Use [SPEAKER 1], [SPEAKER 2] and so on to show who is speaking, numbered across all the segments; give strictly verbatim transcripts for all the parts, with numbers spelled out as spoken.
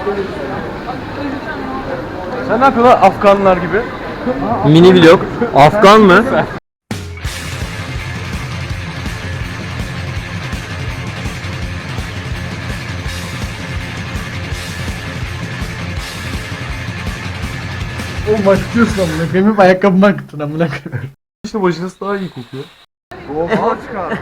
[SPEAKER 1] Sen ne yapıyorsun lan Afganlar gibi?
[SPEAKER 2] Mini vlog. Afgan mı?
[SPEAKER 3] Oğlum acıtıyorsun amına koyayım. Hep ayakkabıma akıttın amına koyayım.
[SPEAKER 1] İşte başınız daha iyi kokuyor. Oha çıkar.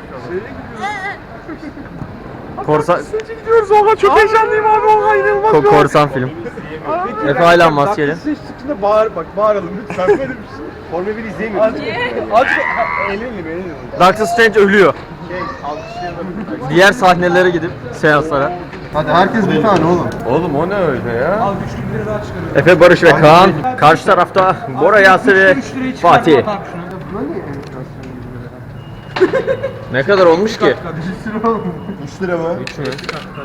[SPEAKER 2] Korsan...
[SPEAKER 1] Gidiyoruz oha çok heyecanlıyım abi oha inanılmaz
[SPEAKER 2] Ko korsan film. Efe hala maskeli.
[SPEAKER 1] Ses çıktığında bağır bak bağıralım lütfen böyle bir şey. Formula bir izleyemiyoruz. Azıcık eğlenelim eğlenelim.
[SPEAKER 2] Doctor Strange ölüyor.
[SPEAKER 1] Şey alkışlayalım.
[SPEAKER 2] Diğer sahnelere gidip seanslara.
[SPEAKER 3] Hadi herkes bir tane oğlum.
[SPEAKER 1] Oğlum o ne öyle ya?
[SPEAKER 2] Efe, Barış ve Kaan. Karşı tarafta Bora, Yasin ve Fatih. Ne kadar olmuş ki?
[SPEAKER 1] üç lira mı?
[SPEAKER 2] üç mü?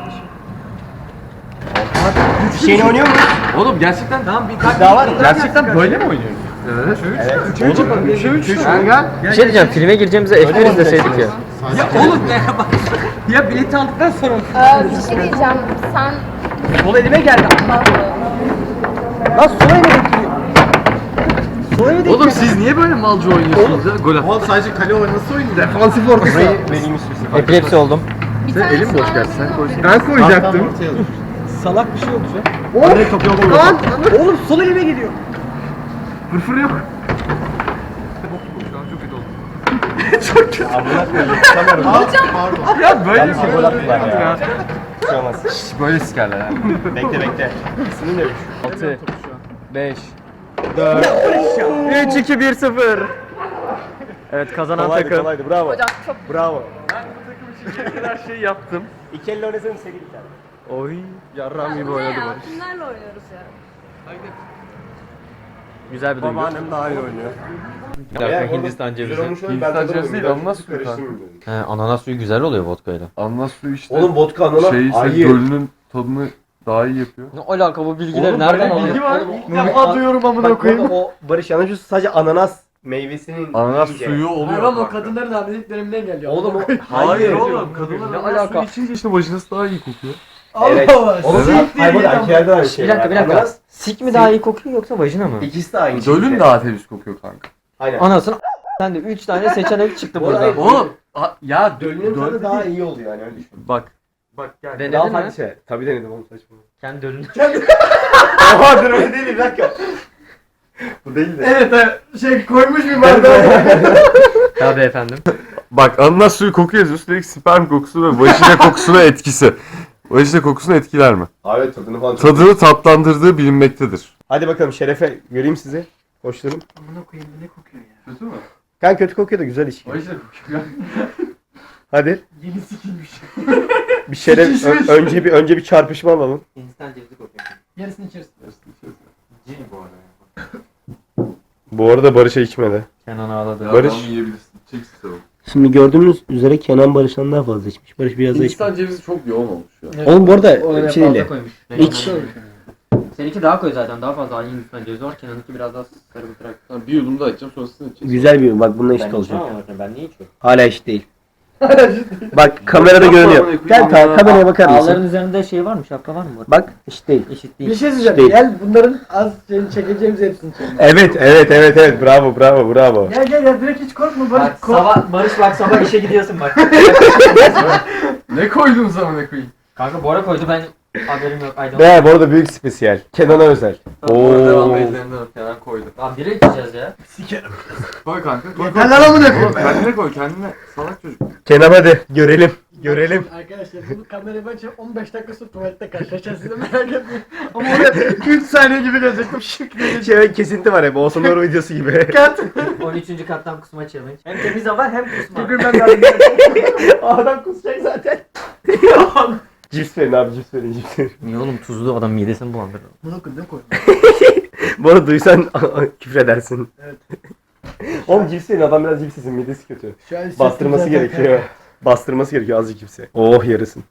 [SPEAKER 1] Şeyini oynuyor mu?
[SPEAKER 4] Oğlum gerçekten tamam bir tane
[SPEAKER 1] Daha var mı? Gerçekten böyle mi oynuyoruz?
[SPEAKER 4] Evet.
[SPEAKER 1] üç üç üç üç üç
[SPEAKER 2] Bir şey diyeceğim, filme gireceğimize F bir izleseydik ya.
[SPEAKER 4] Ya oğlum ne bak. Ya bileti aldıktan sonra
[SPEAKER 5] Ee, bir şey diyeceğim. Sen
[SPEAKER 4] sol elime geldi.
[SPEAKER 3] Lan sola yine bekliyor. Sola yine
[SPEAKER 4] Oğlum siz niye böyle malcı oynuyorsunuz ya? Gol at.
[SPEAKER 1] Oğlum sadece kale oyunu nasıl oynuyor?
[SPEAKER 3] defansif ortası.
[SPEAKER 1] Benim istiyorsun.
[SPEAKER 2] Epilepsi oldum.
[SPEAKER 5] bir tane
[SPEAKER 1] elim boş gerçi, sen koy.
[SPEAKER 3] Ben koyacaktım.
[SPEAKER 4] Salak bir şey oldu ya.
[SPEAKER 3] Oğlum top yok oğlum. Lan oğlum sol elime geliyor.
[SPEAKER 1] Fırfır yok.
[SPEAKER 4] Çok kötü oldu.
[SPEAKER 1] Ya böyle bir şey
[SPEAKER 3] gol attılar ya.
[SPEAKER 1] Şşş böyle sikerler ha.
[SPEAKER 3] Bekle bekle.
[SPEAKER 1] İsmini ne?
[SPEAKER 2] altı, beş, üç, iki, bir, sıfır. Evet, kazanan
[SPEAKER 1] Kolaydı
[SPEAKER 2] takım.
[SPEAKER 1] kolaydı bravo.
[SPEAKER 5] hocam çok
[SPEAKER 1] Bravo.
[SPEAKER 4] Her şeyi yaptım.
[SPEAKER 1] İki elle oynasana seri bir tane.
[SPEAKER 2] Oy, yarram gibi oynadı
[SPEAKER 5] ya.
[SPEAKER 2] Barış.
[SPEAKER 5] Kimlerle oynuyoruz ya?
[SPEAKER 2] Güzel bir duygu.
[SPEAKER 1] Babaannem daha iyi oynuyor.
[SPEAKER 2] Bir dakika, Hindistan cevizi.
[SPEAKER 1] Hindistan cevizi değil, ananas suyu kanka.
[SPEAKER 2] He, ananas suyu güzel oluyor vodkayla.
[SPEAKER 1] Ananas suyu işte.
[SPEAKER 6] Oğlum vodka ananas
[SPEAKER 1] şey ise
[SPEAKER 6] ayı.
[SPEAKER 1] gölünün tadını daha iyi yapıyor.
[SPEAKER 2] Ne alaka, bu bilgileri nereden alıyor?
[SPEAKER 3] İlk defa duyuyorum amına koyayım.
[SPEAKER 6] O Barış yanlış sadece ananas meyvesinin
[SPEAKER 1] Ananas
[SPEAKER 6] yiyince.
[SPEAKER 1] suyu oluyor.
[SPEAKER 3] Hayır o
[SPEAKER 1] kanka.
[SPEAKER 3] kadınların hamilelik dönemine geliyor.
[SPEAKER 6] Oğlum o
[SPEAKER 1] Hayır oğlum kadınlar
[SPEAKER 2] Ne
[SPEAKER 1] ananas
[SPEAKER 2] alaka?
[SPEAKER 1] suyu içince işte başınız daha iyi kokuyor.
[SPEAKER 6] Evet.
[SPEAKER 3] Allah
[SPEAKER 6] Oğlum
[SPEAKER 3] siktir
[SPEAKER 6] hayvan
[SPEAKER 3] ya.
[SPEAKER 6] erkeklerde aynı şey
[SPEAKER 2] Bir dakika,
[SPEAKER 6] var.
[SPEAKER 2] bir dakika.
[SPEAKER 6] Ananas
[SPEAKER 2] Sik mi daha iyi kokuyor yoksa vajina mı?
[SPEAKER 6] ikisi de aynı şey.
[SPEAKER 1] Gölün daha temiz kokuyor kanka.
[SPEAKER 6] Aynen.
[SPEAKER 2] Anasını sen de üç tane seçenek çıktı
[SPEAKER 6] Bu
[SPEAKER 2] burada.
[SPEAKER 6] arada-
[SPEAKER 1] Oğlum a- ya
[SPEAKER 6] Gölünün tadı
[SPEAKER 1] göl
[SPEAKER 6] daha iyi oluyor yani öyle düşün.
[SPEAKER 1] Bak. Bak gel.
[SPEAKER 2] Denedin
[SPEAKER 6] Daha
[SPEAKER 2] mi?
[SPEAKER 6] farklı şey. Tabii denedim oğlum saçma.
[SPEAKER 2] Kendi dönün.
[SPEAKER 6] Oha dur öyle değil bir dakika. Bu değil de.
[SPEAKER 3] Evet evet. Şey koymuş bir bardağı.
[SPEAKER 2] Tabii efendim.
[SPEAKER 1] Bak ananas suyu kokuyor. Üstelik sperm kokusu ve vajina kokusuna etkisi. Vajina kokusunu etkiler mi?
[SPEAKER 6] Abi tadını falan çok.
[SPEAKER 1] Tadını tatlandırdığı bilinmektedir.
[SPEAKER 6] Hadi bakalım Şerefe göreyim sizi. Hoşlarım.
[SPEAKER 3] Amına koyayım ne kokuyor ya.
[SPEAKER 1] Kötü mü?
[SPEAKER 6] Kan kötü kokuyor da güzel içki.
[SPEAKER 1] Vajina kokuyor.
[SPEAKER 6] Hadi.
[SPEAKER 3] Yeni sikilmiş.
[SPEAKER 6] Bir şeref ö- önce bir önce bir çarpışma alalım.
[SPEAKER 2] Hindistan cevizi kokuyor.
[SPEAKER 3] Yarısını içeriz.
[SPEAKER 1] Cin bu arada.
[SPEAKER 6] Bu arada Barış'a içmedi.
[SPEAKER 2] Kenan ağladı.
[SPEAKER 1] Ya
[SPEAKER 6] Barış.
[SPEAKER 1] tamam, yiyebilirsin. Çeksin sen.
[SPEAKER 6] Şimdi gördüğünüz üzere Kenan Barış'tan daha fazla içmiş. Barış biraz daha içmiş.
[SPEAKER 1] Hindistan cevizi çok yoğun olmuş ya.
[SPEAKER 6] Oğlum bu arada
[SPEAKER 2] O
[SPEAKER 6] bir şey değil.
[SPEAKER 2] koymuş.
[SPEAKER 6] İç.
[SPEAKER 2] Seninki daha koy zaten, daha fazla Hindistan cevizi var. Kenan'ınki biraz daha sarı bırak.
[SPEAKER 1] Tamam, bir yudum daha içeceğim sonrasını içeceğiz.
[SPEAKER 6] Güzel bir bak bununla eşit
[SPEAKER 2] Ben
[SPEAKER 6] olacak.
[SPEAKER 2] içmem ama ben niye içiyorum?
[SPEAKER 6] Hala eşit değil. Bak kamerada görünüyor. Gel ta kameraya bakar
[SPEAKER 2] Ağların
[SPEAKER 6] mısın?
[SPEAKER 2] üzerinde şey var mı? Şapka var mı?
[SPEAKER 6] Bak eşit değil.
[SPEAKER 2] Eşit
[SPEAKER 3] Bir
[SPEAKER 2] değil.
[SPEAKER 3] şey söyleyeceğim.
[SPEAKER 6] Değil.
[SPEAKER 3] Gel bunların az şeyini çekeceğimiz hepsini çekelim.
[SPEAKER 6] Evet evet evet evet bravo bravo bravo.
[SPEAKER 3] Gel gel gel direkt hiç korkma Barış.
[SPEAKER 2] Bak
[SPEAKER 3] Kork.
[SPEAKER 2] sabah, Barış bak sabah işe gidiyorsun bak.
[SPEAKER 1] Ne koydun sana ne koyayım?
[SPEAKER 2] Kanka Bora koydu, ben haberim yok. Aydan.
[SPEAKER 6] Be bu arada büyük spesiyel. Kenan'a özel.
[SPEAKER 1] Oo. Devam
[SPEAKER 6] Oo.
[SPEAKER 1] ellerinden öp. Kenan koydu.
[SPEAKER 2] Lan biri içeceğiz ya.
[SPEAKER 3] Sikerim.
[SPEAKER 1] Koy kanka. Koy,
[SPEAKER 3] Yeter lan amına koyayım.
[SPEAKER 1] Oğlum kendine koy kendine. Salak çocuk.
[SPEAKER 6] Kenan hadi görelim. Görelim.
[SPEAKER 3] Arkadaşlar bunu kameraya bakacağım on beş dakika sonra tuvalette karşılaşacağız size merak etmeyin. Ama oraya üç saniye gibi gelecektim şık diye.
[SPEAKER 6] Şey kesinti var hep. Oğuzhan Uğur videosu gibi.
[SPEAKER 3] Kat.
[SPEAKER 2] on üçüncü kattan kusma challenge. Hem temiz hava hem kusma.
[SPEAKER 3] Bugün ben de
[SPEAKER 6] Adam kusacak zaten. Cips verin abi cips verin cips verin.
[SPEAKER 2] Niye oğlum, tuzlu adam midesini bulandırır.
[SPEAKER 3] Bunu koydum koydum.
[SPEAKER 6] Bu arada duysan küfredersin. Evet. Oğlum cips verin adam biraz cips yesin midesi kötü.
[SPEAKER 3] Şu an
[SPEAKER 6] Bastırması
[SPEAKER 3] hissettim
[SPEAKER 6] gerekiyor. Bastırması gerekiyor azıcık cipsi. Oh yarısın.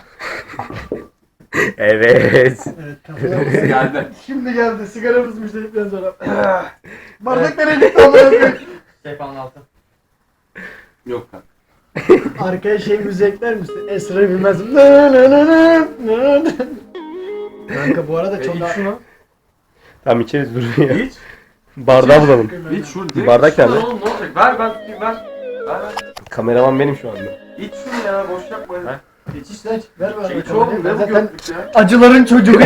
[SPEAKER 6] Evet.
[SPEAKER 3] zaten. Evet kafaya.
[SPEAKER 1] Geldi.
[SPEAKER 3] Şimdi geldi sigaramız müşterikten sonra. Bardak nereye gitti amına koyayım?
[SPEAKER 2] Seyfanın altı.
[SPEAKER 1] Yok kanka.
[SPEAKER 3] Arkaya şey müzik ekler misin? Esra bilmez. Nı nı nı nı nı nı. Kanka bu arada çok
[SPEAKER 1] İç şunu.
[SPEAKER 6] Tamam içeriz dur ya.
[SPEAKER 1] İç.
[SPEAKER 6] Bardağı bulalım.
[SPEAKER 1] İç şunu. direkt
[SPEAKER 6] Bardak
[SPEAKER 1] iç şunu
[SPEAKER 6] nerede?
[SPEAKER 1] Oğlum ne olacak? Ver ben tutayım ver. Ver ver.
[SPEAKER 6] Kameraman benim şu anda.
[SPEAKER 1] İç şunu ya boş yapma.
[SPEAKER 3] İç iç lan iç. Ver bana.
[SPEAKER 1] İç oğlum ne bu
[SPEAKER 3] Zaten
[SPEAKER 1] gördük ya.
[SPEAKER 3] acıların çocuğu.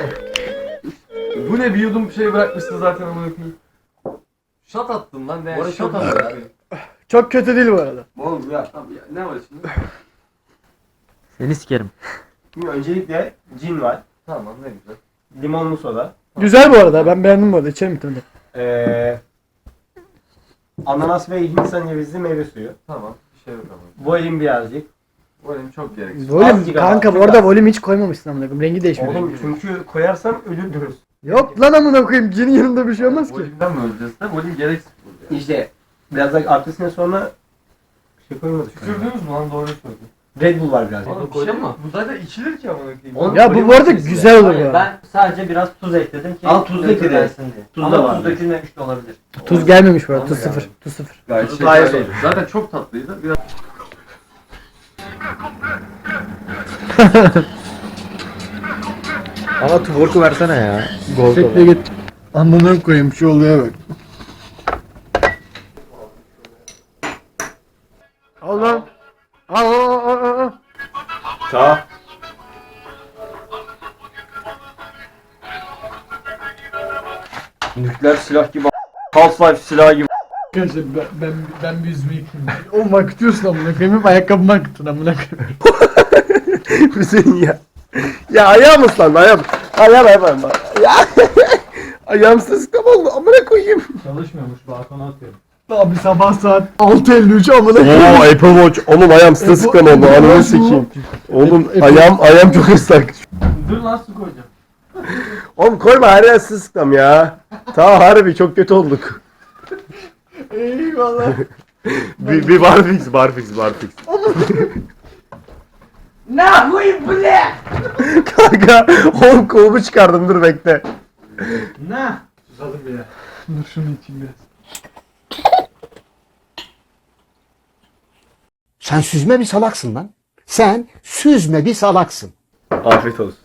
[SPEAKER 1] Bu ne bir yudum bir şey bırakmışsın zaten ama yapayım. Şat attın lan ne?
[SPEAKER 3] Bu arada
[SPEAKER 1] Şat
[SPEAKER 3] çok
[SPEAKER 1] attın.
[SPEAKER 3] Çok kötü değil bu arada.
[SPEAKER 1] Oğlum ya, abi ya ne var şimdi?
[SPEAKER 4] Seni sikerim.
[SPEAKER 6] Şimdi öncelikle cin var.
[SPEAKER 1] Tamam ne güzel.
[SPEAKER 6] Limonlu soda.
[SPEAKER 3] Güzel bu arada. Ben beğendim bu arada. İçerim bir tane.
[SPEAKER 6] Ee, ananas ve Hindistan cevizli meyve suyu.
[SPEAKER 1] Tamam bir şey yok ama.
[SPEAKER 6] Volüm birazcık.
[SPEAKER 1] Bu benim çok gereksiz.
[SPEAKER 3] Volüm
[SPEAKER 6] Azıcık ama,
[SPEAKER 3] kanka bu
[SPEAKER 6] çok
[SPEAKER 3] arada
[SPEAKER 6] az.
[SPEAKER 3] volüm hiç koymamışsın amına koyayım. Rengi değişmiyor.
[SPEAKER 6] Oğlum çünkü koyarsam ölürdünüz.
[SPEAKER 3] Yok lan amına koyayım. Cinin yanında bir şey olmaz ki.
[SPEAKER 1] Volümden mi öleceğiz de? Volüm gereksiz burada.
[SPEAKER 6] İşte biraz da arkasına sonra şey koymadık.
[SPEAKER 1] Tükürdünüz mü lan doğru söyledin.
[SPEAKER 6] Red Bull var biraz.
[SPEAKER 1] Oğlum
[SPEAKER 4] bir şey
[SPEAKER 1] koydun
[SPEAKER 4] mi?
[SPEAKER 1] mu? Bu zaten içilir ki ama koyayım.
[SPEAKER 6] Oğlum,
[SPEAKER 3] Ya bu bu arada güzel olur bu
[SPEAKER 4] Hayır,
[SPEAKER 3] arada.
[SPEAKER 4] ben sadece biraz tuz ekledim ki
[SPEAKER 6] Al, tuz ekle.
[SPEAKER 4] nötrlensin diye.
[SPEAKER 6] Tuz
[SPEAKER 4] Ama
[SPEAKER 6] da var.
[SPEAKER 4] tuz dökülmemiş de olabilir.
[SPEAKER 3] Tuz gelmemiş bu arada.
[SPEAKER 1] Tamam
[SPEAKER 3] Tuz
[SPEAKER 1] ya.
[SPEAKER 3] sıfır. Tuz sıfır.
[SPEAKER 1] Gayet
[SPEAKER 6] Tuzu
[SPEAKER 1] şekerliydi.
[SPEAKER 6] daha iyi oldu.
[SPEAKER 1] Zaten çok tatlıydı. Biraz
[SPEAKER 2] Bana tuborku versene ya.
[SPEAKER 3] Tekle git. Amına koyayım şu oluyor bak. Al lan. Al al al al al.
[SPEAKER 6] Ta. Nükleer silah gibi. Half-Life silahı gibi.
[SPEAKER 3] Arkadaşlar ben, ben, ben bir yüzümü yıkayayım. Oğlum akıtıyorsun amına koyayım. Hep ayakkabımı akıttın amına koyayım.
[SPEAKER 6] Hüseyin ya. Ya ayağım ıslandı ayağım. Ayağım ayağım. Ya. Ayağım sıskam oldu amına koyayım.
[SPEAKER 4] Çalışmıyormuş, balkona atıyorum.
[SPEAKER 3] Abi sabah saat altı elli üç amına koyayım.
[SPEAKER 6] Oo Apple Watch. Oğlum ayağım sıskam oldu.
[SPEAKER 3] Apple
[SPEAKER 6] Ananı
[SPEAKER 3] Watch mu?
[SPEAKER 6] sikeyim. Oğlum
[SPEAKER 3] Apple-
[SPEAKER 6] ayağım ayağım çok ıslak.
[SPEAKER 4] Dur lan su koyacağım.
[SPEAKER 6] Oğlum koyma her yer sıskam ya. Ta harbi çok kötü olduk.
[SPEAKER 3] Eyvallah.
[SPEAKER 6] bir, bir barfix barfix barfix.
[SPEAKER 4] Ne koyayım bu ne?
[SPEAKER 6] Kanka oğlum kolumu çıkardım dur bekle.
[SPEAKER 4] Ne?
[SPEAKER 3] Susadım ya. Dur şunu içeyim biraz.
[SPEAKER 7] Sen süzme bir salaksın lan. Sen süzme bir salaksın.
[SPEAKER 6] Afiyet olsun.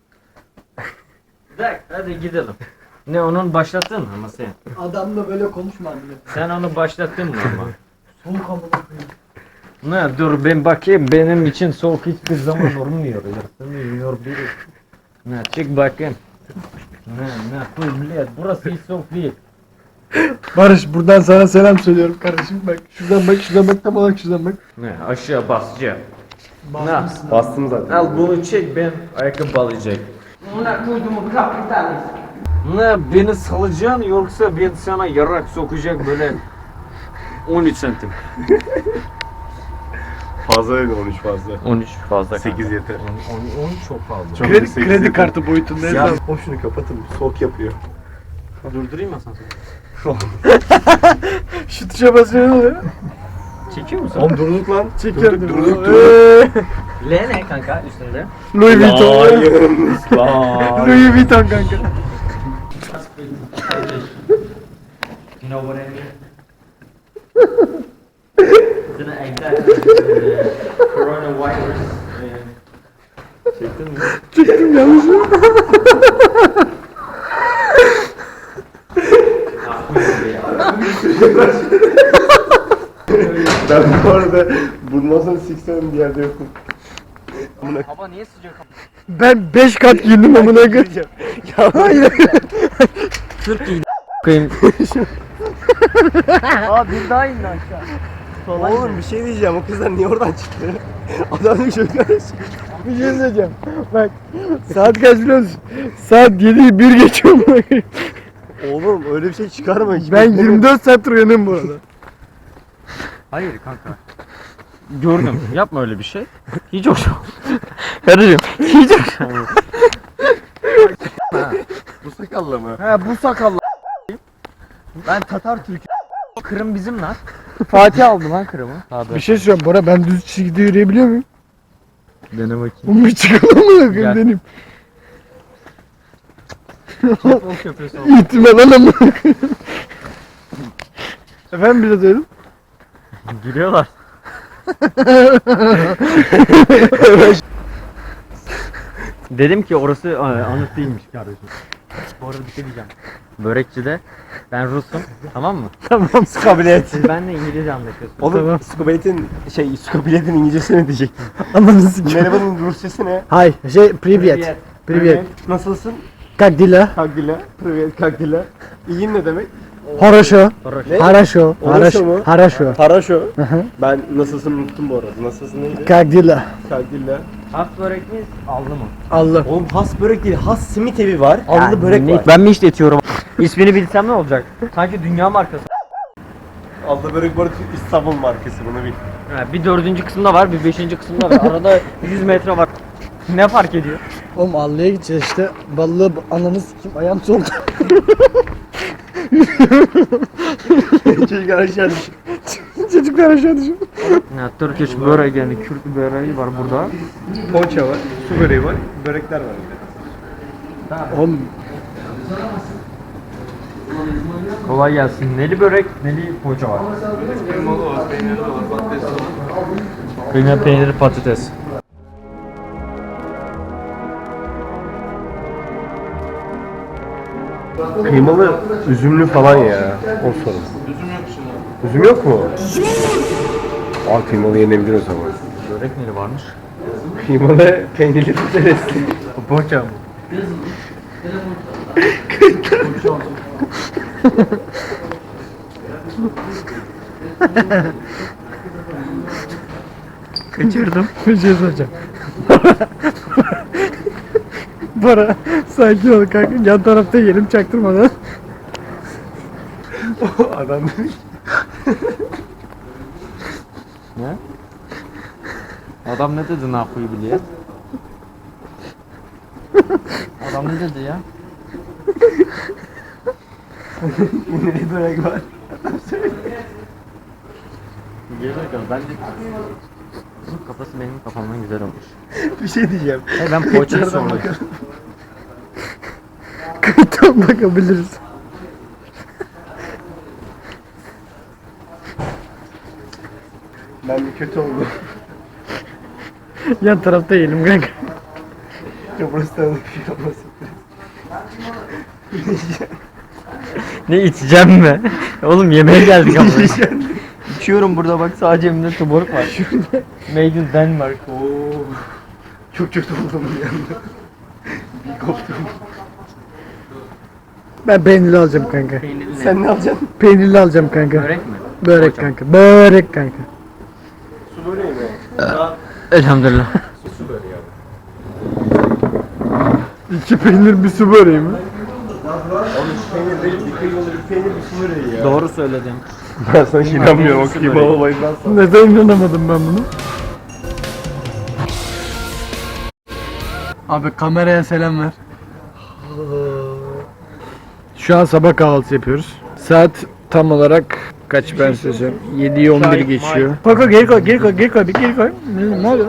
[SPEAKER 4] Bırak hadi gidelim. Ne onun başlattın mı ama sen?
[SPEAKER 3] Adamla böyle konuşma amına koyayım.
[SPEAKER 4] Sen onu başlattın mı ama?
[SPEAKER 3] Soğuk amına koyayım.
[SPEAKER 4] Ne dur ben bakayım benim için soğuk hiçbir zaman olmuyor. Isınmıyor biri. Ne çık bakayım. Ne ne koy millet burası hiç soğuk değil.
[SPEAKER 3] Barış buradan sana selam söylüyorum kardeşim. Bak şuradan bak şuradan bak tam olarak şuradan bak.
[SPEAKER 4] Ne aşağı basacağım.
[SPEAKER 3] Basmışsın.
[SPEAKER 6] Bastım zaten.
[SPEAKER 4] Al bunu çek ben ayakkabı alacak. Ne koyduğumu kapitalist. Ne beni salacaksın yoksa ben sana yarak sokacak böyle on üç santim.
[SPEAKER 6] Fazla öyle on üç fazla.
[SPEAKER 4] on üç fazla.
[SPEAKER 6] sekiz yeter.
[SPEAKER 4] on üç çok fazla.
[SPEAKER 6] Çok
[SPEAKER 3] Kredi,
[SPEAKER 6] sekiz
[SPEAKER 3] kredi
[SPEAKER 6] yeter.
[SPEAKER 3] kartı boyutunda.
[SPEAKER 6] Ya o şunu kapatın soğuk yapıyor.
[SPEAKER 4] Durdurayım mı asansörü?
[SPEAKER 3] Şu tuşa basıyor ne oluyor?
[SPEAKER 4] Çekiyor musun?
[SPEAKER 6] Oğlum durduk lan.
[SPEAKER 3] Çekiyorum.
[SPEAKER 6] Durduk durduk
[SPEAKER 3] Eee,
[SPEAKER 4] L ne kanka üstünde?
[SPEAKER 3] Louis Vuitton.
[SPEAKER 6] Lan.
[SPEAKER 3] Louis Vuitton kanka.
[SPEAKER 4] You know what I mean? It's an exact uh, coronavirus. uh,
[SPEAKER 6] Çektin mi?
[SPEAKER 3] Çektim yanlış.
[SPEAKER 6] Ben bu arada bulmazsan siksen bir yerde yokum.
[SPEAKER 4] Hava niye sıcak?
[SPEAKER 3] Ben beş kat giyindim amına koyayım.
[SPEAKER 6] Ya hayır.
[SPEAKER 4] Türk giyin. Koyayım.
[SPEAKER 3] Aa bir daha indi aşağı.
[SPEAKER 6] Oğlum bir şey diyeceğim o kızlar niye oradan çıktı? Adam diyor ki şöyle
[SPEAKER 3] Bir şey söyleyeceğim. Bak saat kaç biliyor musun? Saat yedi bir geçiyor amına koyayım.
[SPEAKER 6] Oğlum öyle bir şey çıkarma. hiç
[SPEAKER 3] Ben
[SPEAKER 6] bekleme.
[SPEAKER 3] yirmi dört saat uyanıyorum bu arada.
[SPEAKER 4] Hayır kanka. Gördüm. Yapma öyle bir şey. Hiç hoş. Karıcığım. Hiç hoş.
[SPEAKER 6] Bu sakalla mı?
[SPEAKER 3] He bu sakallı.
[SPEAKER 4] Ben Tatar Türk'üm. Kırım bizim lan.
[SPEAKER 3] Fatih aldı lan.
[SPEAKER 4] Kırım'ı. Tabii.
[SPEAKER 3] Bir şey söyleyeceğim Bora ben düz çizgide yürüyebiliyor muyum?
[SPEAKER 4] Dene bakayım.
[SPEAKER 3] Bunu bir çıkalım mı bakayım
[SPEAKER 4] Gel.
[SPEAKER 3] deneyim.
[SPEAKER 4] Futbol köprüsü oldu.
[SPEAKER 3] İhtimal alamam. Efendim bir de dedim.
[SPEAKER 4] Gülüyorlar.
[SPEAKER 2] Dedim ki orası e, anıt değilmiş kardeşim. Bu arada bir şey diyeceğim. Börekçide ben Rus'um, tamam mı?
[SPEAKER 6] Tamam skabiliyet.
[SPEAKER 2] Siz benimle İngilizce anlaşıyorsunuz.
[SPEAKER 6] Oğlum skabiliyetin şey skabiliyetin İngilizcesi ne diyecektim?
[SPEAKER 3] Anladın sikeyim.
[SPEAKER 6] Merhabanın Rusçası ne?
[SPEAKER 3] Hay şey privyet. Privyet.
[SPEAKER 6] Nasılsın?
[SPEAKER 3] Как дела?
[SPEAKER 6] Kagdila. Privyet kagdila. İyiyim ne demek?
[SPEAKER 3] Хорошо.
[SPEAKER 6] Ne?
[SPEAKER 3] Хорошо.
[SPEAKER 6] Хорошо mu?
[SPEAKER 3] Хорошо.
[SPEAKER 6] Haraşo.
[SPEAKER 3] hı.
[SPEAKER 6] Ben nasılsın unuttum bu arada. Nasılsın neydi?
[SPEAKER 3] Как dela?
[SPEAKER 6] Kagdila.
[SPEAKER 2] Has börek miyiz? Aldı mı?
[SPEAKER 3] Allah.
[SPEAKER 6] Oğlum has börek değil, has simit evi var. Allı börek
[SPEAKER 2] ne-
[SPEAKER 6] var.
[SPEAKER 2] Ben mi işletiyorum? İsmini bilsem ne olacak? Sanki dünya markası.
[SPEAKER 6] Allı börek var İstanbul markası bunu bil.
[SPEAKER 2] Ha, bir dördüncü kısımda var, bir beşinci kısımda var. Arada yüz metre var. Ne fark ediyor?
[SPEAKER 3] Oğlum Allı'ya gideceğiz işte. Ballığı ananı sikeyim ayağım soldu.
[SPEAKER 6] Çocuklar aşağı düş.
[SPEAKER 3] Çocuklar aşağı düşün.
[SPEAKER 2] Ya, Turkish börek yani Kürt böreği var burada.
[SPEAKER 6] Poğaça var, su böreği var, börekler var.
[SPEAKER 3] Oğlum
[SPEAKER 2] Kolay gelsin. Neli börek, neli poğaça var. Kıyma peyniri patates.
[SPEAKER 6] Kıymalı, üzümlü falan ya. O sorun. Üzüm yok şimdi. Üzüm yok mu? Aa kıymalı yenebilir o zaman.
[SPEAKER 2] Börek neli varmış?
[SPEAKER 6] Kıymalı, peynirli patates.
[SPEAKER 2] Poğaça mı?
[SPEAKER 3] kaçırdım. Bir şey soracağım. Bora sakin ol kanka. Yan tarafta yerim çaktırmadan.
[SPEAKER 6] Adam
[SPEAKER 2] Ne? Adam ne dedi ne yapıyı biliyor? Adam ne dedi ya?
[SPEAKER 6] ne börek var?
[SPEAKER 2] Geri bakalım bence bu kafası benim kafamdan güzel olmuş.
[SPEAKER 6] Bir şey diyeceğim.
[SPEAKER 2] Hey, ben poğaçayı
[SPEAKER 6] Kayıtlardan
[SPEAKER 2] sordum.
[SPEAKER 6] bakalım.
[SPEAKER 3] Kayıttan bakabiliriz.
[SPEAKER 6] Ben bir kötü oldum.
[SPEAKER 3] Yan tarafta yiyelim kanka.
[SPEAKER 6] Kıbrıs'tan bir şey olmasın.
[SPEAKER 2] Ne içeceğim mi? Oğlum yemeğe geldik ama. İçiyorum burada bak sadece elimde tuboruk var. Made in Denmark.
[SPEAKER 6] Oo. Çok kötü oldum bir anda. Bir koptum.
[SPEAKER 3] Ben peynirli alacağım kanka.
[SPEAKER 2] Peynirli.
[SPEAKER 6] Sen ne alacaksın?
[SPEAKER 3] Peynirli alacağım kanka.
[SPEAKER 2] Börek mi?
[SPEAKER 3] Börek kanka. Börek kanka.
[SPEAKER 6] Su böreği mi? Daha
[SPEAKER 2] Elhamdülillah.
[SPEAKER 6] su böreği abi.
[SPEAKER 3] İki peynir bir su böreği mi?
[SPEAKER 6] Oğlum şu peynir değil, bir kıymalı bir peynir bir su böreği ya.
[SPEAKER 2] Doğru söyledim.
[SPEAKER 6] Ben sana inanmıyorum o kıymalı olayından sonra.
[SPEAKER 3] Neden inanamadım ben bunu? Abi kameraya selam ver. Şu an sabah kahvaltısı yapıyoruz. Saat tam olarak kaç ben söyleyeceğim? yediyi on bir geçiyor. Koy koy geri koy geri koy geri koy bir geri koy. Ne, ne oluyor?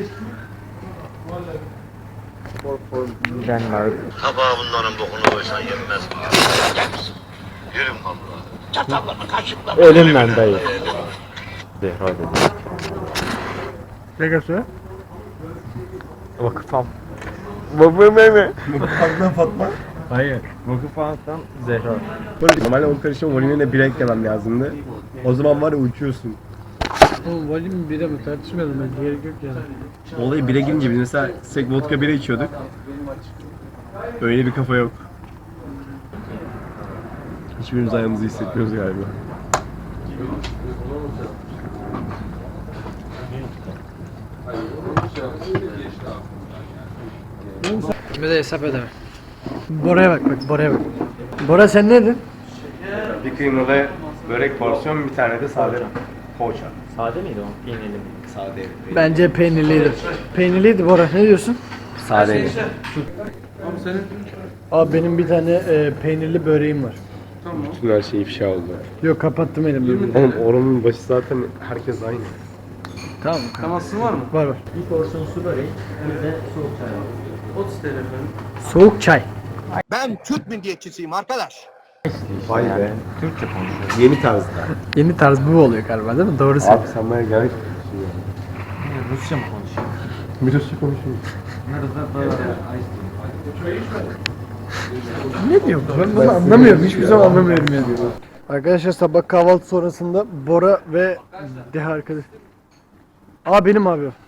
[SPEAKER 2] Denmark.
[SPEAKER 8] Tabağa bunların bokunu koysan yenmez. Yürüm valla. Çatallarla kaşıkla.
[SPEAKER 2] Ölümden dayı. Zehra dedi.
[SPEAKER 3] Ne kadar?
[SPEAKER 2] Vakıf al.
[SPEAKER 6] Bakmıyor mu? Fatma Fatma.
[SPEAKER 2] Hayır. Vakıf alsam Zehra.
[SPEAKER 6] Normalde on karışım volümüne bir eklemem lazımdı. O zaman var ya uçuyorsun.
[SPEAKER 3] Oğlum volüm bire mi tartışmayalım ben gerek yok yani.
[SPEAKER 6] Olayı bire girince biz mesela sek vodka bire içiyorduk. Öyle bir kafa yok. Hiçbirimiz ayağımızı hissetmiyoruz galiba.
[SPEAKER 3] Kime de hesap edemem. Bora'ya bak bak Bora'ya bak. Bora sen ne dedin?
[SPEAKER 6] Bir kıymalı börek porsiyon, bir tane de sade poğaça.
[SPEAKER 2] Sade miydi o? Peynirli mi?
[SPEAKER 6] Sade.
[SPEAKER 3] Bence peynirliydi. Peynirliydi Bora ne diyorsun?
[SPEAKER 6] Sade.
[SPEAKER 3] Abi benim bir tane e, peynirli böreğim var.
[SPEAKER 6] Bütün her şey ifşa oldu.
[SPEAKER 3] Yok kapattım elimde.
[SPEAKER 6] Oğlum oranın başı zaten herkes aynı.
[SPEAKER 3] Tamam.
[SPEAKER 6] Temasın var mı?
[SPEAKER 3] Var var.
[SPEAKER 2] Bir porsiyon su böreği, bir de soğuk çay var.
[SPEAKER 6] otuz T L efendim.
[SPEAKER 3] Soğuk çay.
[SPEAKER 7] Ben Türk milliyetçisiyim arkadaş.
[SPEAKER 6] Vay be.
[SPEAKER 2] Türkçe konuşuyor.
[SPEAKER 6] Yeni tarzda.
[SPEAKER 3] Yeni tarz bu oluyor galiba değil mi? Doğru
[SPEAKER 6] Abi
[SPEAKER 3] söylüyorsun.
[SPEAKER 6] sen bana gerek
[SPEAKER 2] Rusça mı konuşuyor?
[SPEAKER 6] Bir Rusça konuşuyorsun.
[SPEAKER 3] Ne diyor bu? Ben bunu anlamıyorum. Hiçbir zaman anlamıyorum yani. Arkadaşlar sabah kahvaltı sonrasında Bora ve Deha arkadaş. Aa benim abi o.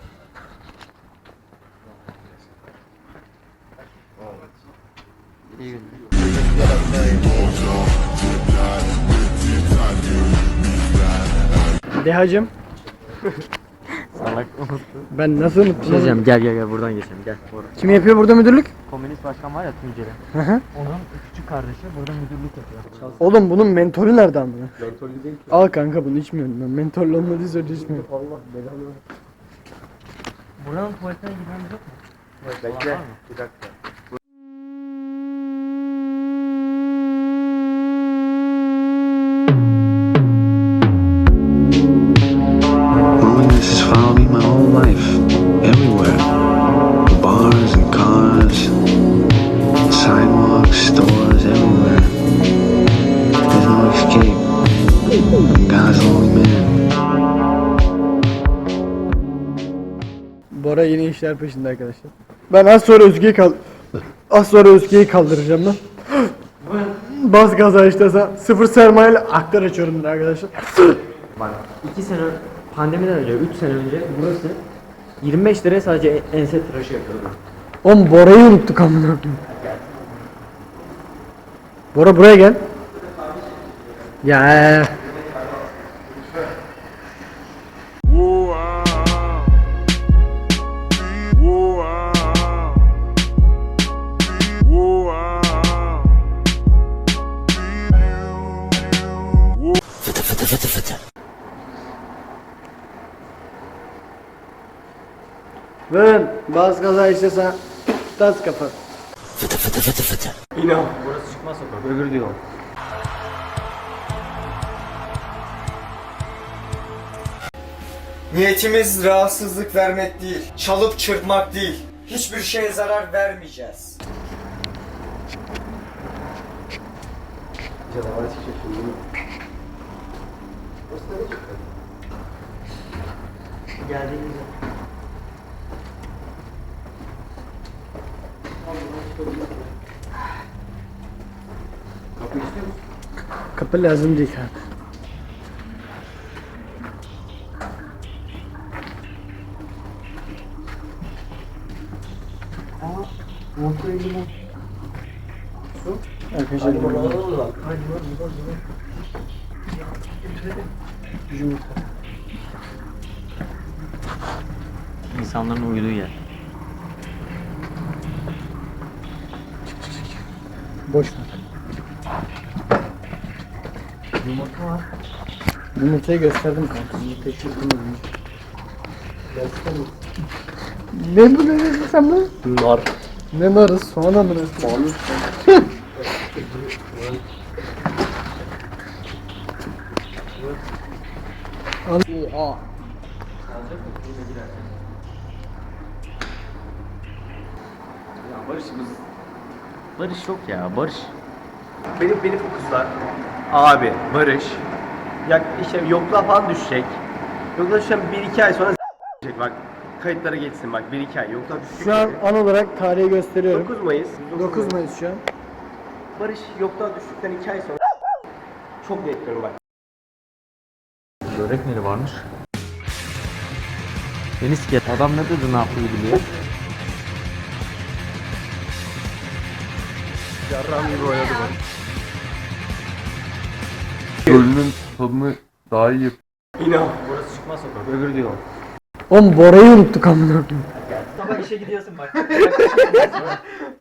[SPEAKER 3] Dehacım.
[SPEAKER 2] Salak unuttu.
[SPEAKER 3] Ben nasıl unuttum? oğlum?
[SPEAKER 2] Diyeceğim gel gel gel buradan geçelim gel. Bora.
[SPEAKER 3] Kim yapıyor burada müdürlük?
[SPEAKER 2] Komünist başkan var ya Tunceli.
[SPEAKER 3] Hı hı.
[SPEAKER 2] Onun küçük kardeşi burada müdürlük yapıyor.
[SPEAKER 3] Oğlum bunun mentolü nerede amına? Mentolü değil ki. Al kanka bunu içmiyorum ben. Mentollü olmadığı sürece içmiyorum. Allah belanı.
[SPEAKER 2] Buranın tuvaletine girmemiz yok mu?
[SPEAKER 6] Bekle. Bir dakika.
[SPEAKER 9] Loneliness has followed me my whole life, everywhere. Bars and cars, sidewalks, stores, everywhere. There's no escape. God's only man.
[SPEAKER 3] Bora yeni işler peşinde arkadaşlar. Ben az sonra Özge'yi kal az sonra Özge'yi kaldıracağım lan. Bas gaza işte sıfır sermayeyle aktar açıyorum arkadaşlar.
[SPEAKER 2] Bak iki sene pandemiden önce üç sene önce burası yirmi beş liraya sadece ense tıraşı yapıyordu.
[SPEAKER 3] Oğlum Bora'yı unuttuk amına koyayım. Bora buraya gel. Ya. Ben bas gaza işte sen tas kapat.
[SPEAKER 6] İnan.
[SPEAKER 2] Burası çıkmaz sokak öbür diyor.
[SPEAKER 10] Niyetimiz rahatsızlık vermek değil, çalıp çırpmak değil. Hiçbir şeye zarar vermeyeceğiz.
[SPEAKER 6] Canavar çıkacak şimdi değil mi?
[SPEAKER 2] Geldiğimizde.
[SPEAKER 6] Kapı istiyor musun?
[SPEAKER 3] Kapı lazım değil kanka. Arkadaşlar
[SPEAKER 2] İnsanların uyuduğu yer.
[SPEAKER 3] boş ver.
[SPEAKER 2] Yumurta var.
[SPEAKER 3] Yumurtayı gösterdim kanka. Yumurtayı çırptım. Ne bu ne dedin sen bu?
[SPEAKER 6] Nar.
[SPEAKER 3] Ne narı? Soğan amına.
[SPEAKER 6] Soğanlı.
[SPEAKER 3] Al. Oha.
[SPEAKER 2] Barış yok ya Barış.
[SPEAKER 6] Benim beni fokuslar. Abi Barış. Ya işte yokluğa falan düşecek. Yokluğa düşen bir iki ay sonra s**ecek bak. Kayıtlara geçsin bak bir iki ay. Yokluğa düşecek.
[SPEAKER 3] Şu an an olarak tarihi gösteriyorum.
[SPEAKER 6] dokuz Mayıs.
[SPEAKER 3] dokuz Mayıs şu an.
[SPEAKER 6] Barış yokluğa düştükten iki ay sonra çok net diyorum bak.
[SPEAKER 2] Börek neri varmış? Beni siket adam ne dedi ne yaptığı biliyor.
[SPEAKER 6] Yarram gibi oynadı bak.
[SPEAKER 1] Ölünün tadını daha iyi yap.
[SPEAKER 6] İnan.
[SPEAKER 2] Burası çıkmaz sokak öbür diyor.
[SPEAKER 3] Oğlum Bora'yı unuttuk amına koyayım.
[SPEAKER 2] Sabah işe gidiyorsun bak.